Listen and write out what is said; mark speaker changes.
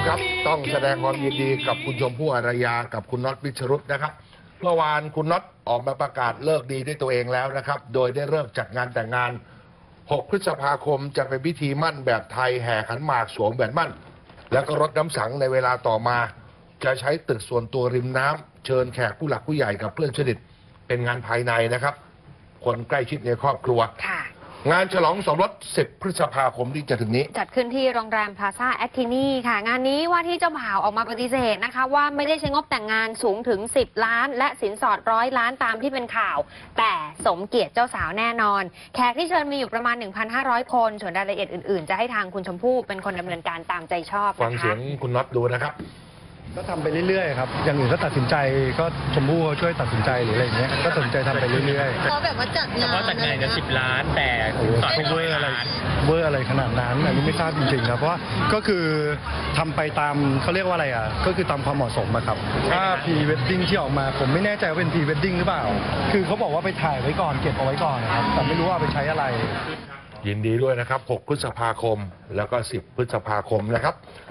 Speaker 1: ครับต้องแสดงความยินดีกับคุณชมพู่อารยากับคุณน็อตวิชรุตนะครับเมื่อวานคุณน็อตออกมาประกาศเลิกดีด้วยตัวเองแล้วนะครับโดยได้เลิกจัดงานแต่งงาน6 พฤษภาคมจะเป็นพิธีมั่นแบบไทยแห่ขันหมากสวมแหวนมั่นแล้วก็รดน้ำสังในเวลาต่อมาจะใช้ตึกส่วนตัวริมน้ำเชิญแขกผู้หลักผู้ใหญ่กับเพื่อนสนิทเป็นงานภายในนะครับคนใกล้ชิดในครอบครัวงานฉลองสมรส10 พฤษภาคมที่จะถึงนี้
Speaker 2: จัดขึ้นที่โรงแรมพลาซ่าแอคทินีค่ะงานนี้ว่าที่เจ้าบ่าวออกมาปฏิเสธนะคะว่าไม่ได้ใช้งบแต่งงานสูงถึง10 ล้านและสินสอด100 ล้านตามที่เป็นข่าวแต่สมเกียรติเจ้าสาวแน่นอนแขกที่เชิญมีอยู่ประมาณ 1,500 คนส่วนรายละเอียดอื่นๆจะให้ทางคุณชมพู่เป็นคนดำเนินการตามใจชอบ
Speaker 1: ฟังเสียงคุณน็อตดูนะครับ
Speaker 3: ก็ทำไปเรื่อยๆครับอย่างอื่นก็ตัดสินใจก็ชมพู่เขาช่วยตัดสินใจหรืออะไรอย่างเงี้ยก็ตัดสินใจทำไปเรื่อย
Speaker 4: ๆเพราะแบบว่าจัดงาน
Speaker 5: จะ10 ล้านแต่
Speaker 3: สอดเวอร์อะไรขนาดนั้นอันนี้ไม่ทราบจริงๆครับเพราะว่าก็คือทำไปตามเขาเรียกว่าอะไรอ่ะก็คือตามความเหมาะสมครับถ้าพรีเวดดิ้งที่ออกมาผมไม่แน่ใจว่าเป็นพรีเวดดิ้งหรือเปล่าคือเขาบอกว่าไปถ่ายไว้ก่อนเก็บเอาไว้ก่อนครับแต่ไม่รู้ว่าไปใช้อะไร
Speaker 1: ยินดีด้วยนะครับ6 พฤษภาคมแล้วก็10 พฤษภาคมนะครับ